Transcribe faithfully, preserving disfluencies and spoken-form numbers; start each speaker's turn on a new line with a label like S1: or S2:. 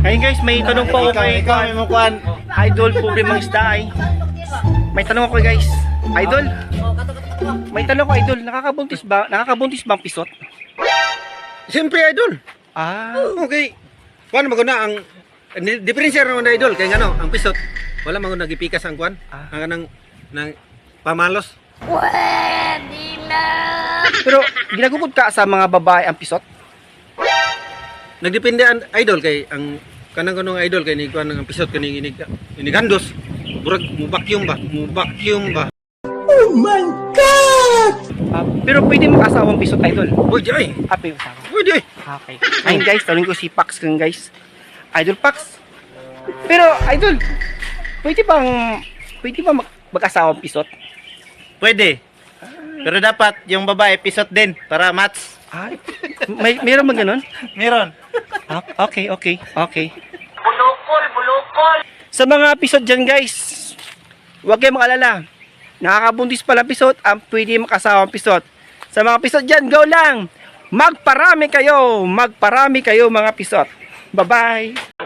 S1: Ayun guys, may tanong po ako
S2: Ikaw,
S1: kay
S2: ikaw, may mukuhan.
S1: Idol Pobre Mang Isda ay. May tanong ako guys. Idol, may tanong ko Idol, nakakabuntis ba? Nakakabuntis ba ang pisot?
S2: Siyempre, idol.
S1: Ah,
S2: Okay. Kuan maguna ang ni- diferensya naman na idol kay ngano, ang pisot. Wala maguna gipikas ang kuan.
S1: Ah.
S2: Ang nang nang pamalos.
S1: pero ginagugod ka sa mga babae ang pisot?
S2: Nagdepende ang idol kay ang kanang kanong idol kay ni kuan ang pisot kani inig inigandos. Burag mo vacuum ba? Mo vacuum ba?
S1: Ah, pero pwede mag-asawa ang pisot Idol.
S2: Pwede ay.
S1: Ah, pwede mag-asawa.
S2: Pwede ay.
S1: Okay. Ayun guys, tanong ko si Pax kan guys. Idol Pax. Pero Idol, pwede bang pwede ba mag- mag-asawa ang pisot?
S3: Pwede. Pero dapat yung babae pisot din para match.
S1: Ay, may meron ba ganun?
S3: Meron.
S1: Ah, okay, okay, okay. Bulukol, bulukol. Sa mga pisot dyan guys, huwag kayong mag-alala. Nakakabuntis pala pisot, ang pwede makasawa ang pisot. Sa mga pisot dyan, go lang! Magparami kayo! Magparami kayo mga pisot. Bye-bye!